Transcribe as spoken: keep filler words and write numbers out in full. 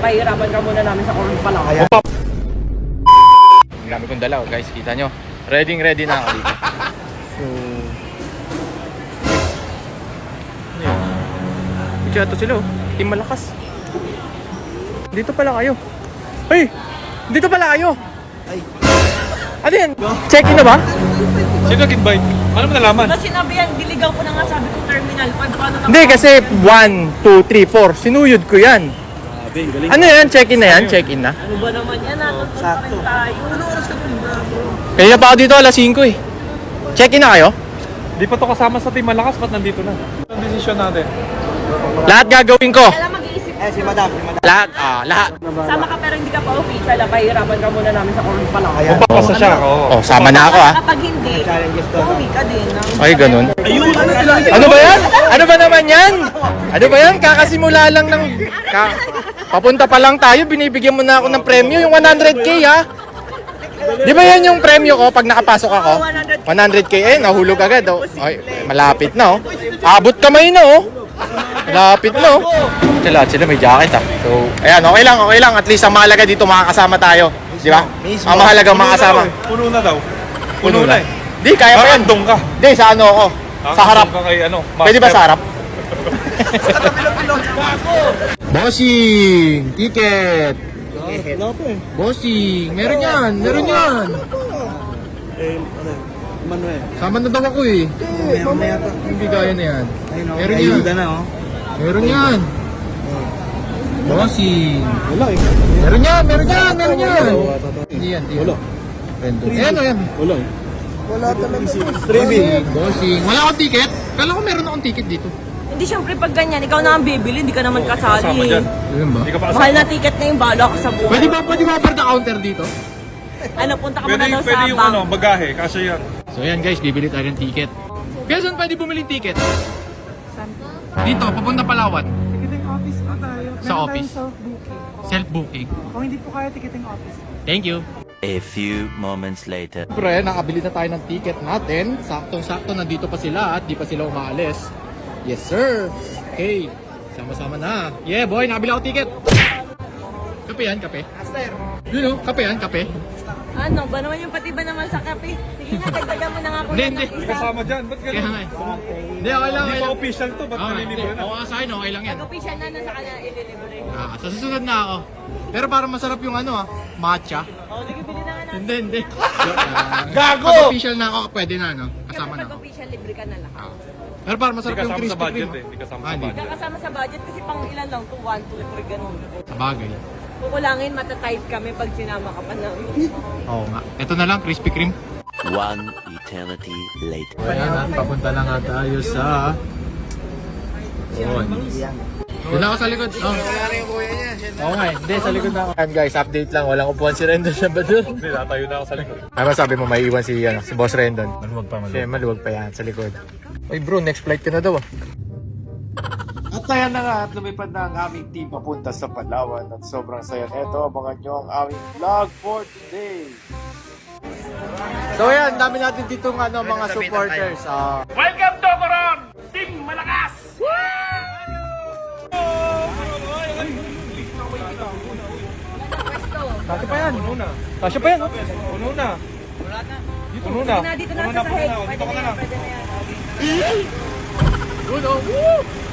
pahirapan ka muna namin sa Coron pa lang. Ang dami kong dalaw, guys. Kita nyo. Ready ready na ako dito. So... Ayan. Ito ito sila, oh. Team Malakas. Dito pala kayo. Hey! Dito pala kayo. Ay. Ano yan? Check-in na ba? Sino nag-invite? Paano mo nalaman? Diba sinabi yan, diligaw ko na nga sabi ko terminal. Paano paano na? Hindi, kasi one, two, three, four. Sinuyod ko yan. Grabe, galing. Ano yan? Check-in na yan? Check-in na? Ano ba naman yan? Natutun pa rin sakto. tayo. Ano oras ka dun, bro? Kanina pa ako dito, alas singko eh. Check-in na kayo? Di pa to kasama sa Team Malakas, ba't nandito na? Ang desisyon natin. Lahat gagawin ko. Kailan mag-iisip Eh, si madam, si madam. Lahat, ah, lahat. Sama ka pero hindi ka pa official. ah, Pahirapan ka muna namin sa Coron pa lang. Ayan. Basta siya, oo. Oh, sama na ako ah. Kapag hindi, Challenges doon. uuwi ka din. ah. Ay, ganun. Ayun, ano talaga? Ano ba yan? Ano ba naman yan? Ano ba yan? Kakasimula lang ng... Ka... Papunta pa lang tayo, binibigyan mo na ako ng premyo, yung one hundred K ha? Di ba yan yung premyo ko pag nakapasok ako? one hundred K eh, nahulog agad oh. Ay, malapit na oh. Abot kamay na oh. Malapit na oh. Sila, sila may jacket ah. So, ayan, okay lang, okay lang. At least ang mahalaga dito makakasama tayo. Di ba? Mismo. Ang mahalaga makasama. Puno na daw. Puno na eh. Di, kaya pa yan. Andong ka. Di, sa ano ako? Sa harap. Andong ka kay ano. Pwede ba master. sa harap? Bossing! Ticket! Wala po eh. Bossing! Meron yan! Meron yan! Eh, ano? Manuel. Sama na daw ako eh. Meron na yata. Yung bigayan na yan. Ayun, oh. Meron Ayuda yan. na, oh. Meron yan. Bossing! Wala eh. Meron yan! Meron yan! Meron yan! Hindi yan. Wala. Ayan o yan. Wala eh. Wala talaga. Bossing! Bossing! Wala akong ticket? Kala ko meron akong ticket dito. Hindi syempre pag ganyan, ikaw na ang bibili, hindi ka naman Kasama kasali. dyan. Ayun ba? Hindi ka pa Mahal kasama. na ticket na yung bala ka sa buhay. Pwede ba, pwede ba over the counter dito? Ano, punta ka Pwede, muna daw pwede sa yung bank. ano, bagahe. Kasi yan. So ayan guys, bibili tayo ng ticket. Kaya saan pwede bumili ticket? Dito, papunta Palawan. Ticketing office po tayo. Meron Sa tayong office? self-booking. Self-booking. Kung hindi po kaya ticketing office. Thank you. A few moments later. Siyempre, nakabili na tayo ng ticket natin. Saktong-sakto, nandito pa sila at di pa sila umaalis. Yes, sir. Okay. Sama-sama na. Yeah, boy, nakabili ako ticket. Kape yan, kape. Master. Yun o, kape yan, kape. Ano ba naman yung pati ba naman sa kape? Sige na, dagdagan mo na nga ako Hindi, yan hindi. ng Hindi isa. kasama dyan. Ba't Kaya ganun? nga eh. Hindi, okay lang, Hindi okay pa lang. official to. Ba't Okay, hindi. nalilibre na? Oo, sa akin, okay lang yan. Pag-official na na sa kanya, ililibre. Ah, sa susunod na ako. Pero parang masarap yung ano ah, matcha. O, sige, bili na nga natin. Hindi, hindi. Ah, Gago! Pag official na ako, pwede na, no? Kasama na ako. Pag-official, libre ka na lahat. Ah. Pero parang masarap Hindi yung kasama sa Krispy budget Kreme. eh. Hindi kasama Ah, sa hindi. budget. Kakasama sa budget kasi pang ilan lang to, one, two, three, ganun. Sa bagay. Kukulangin, matatight kami pag sinama ka pa namin. Oo nga. Ito na lang, Krispy Kreme. One eternity later. Ayan at papunta na nga tayo sa... Doon ako sa likod. Oh. Oo nga eh. Hindi, sa likod na ako. Ayan guys, update lang. Walang upuan si Rendon siya ba doon? Hindi, natayo na ako sa likod. Ano sabi mo, may iwan si, ano, si Boss Rendon? Maluwag pa, Siya, maluwag pa yan sa likod. Uy bro, next flight ka na daw ah. At ayan na nga at lumipad na ang aming team papunta sa Palawan at sobrang saya neto. Abangan nyo ang aming vlog for today. So ayan, dami natin dito ng ano, mga supporters. Ah, Welcome to Coron! Team Malakas! Kasya pa yan. Puno na. Kasya pa yan. oh. Puno na. Puno na. Na, dito na Puno sa na, sahig. puno na. Pwede Dito na ka na yan, lang. pwede na yan. Good oh.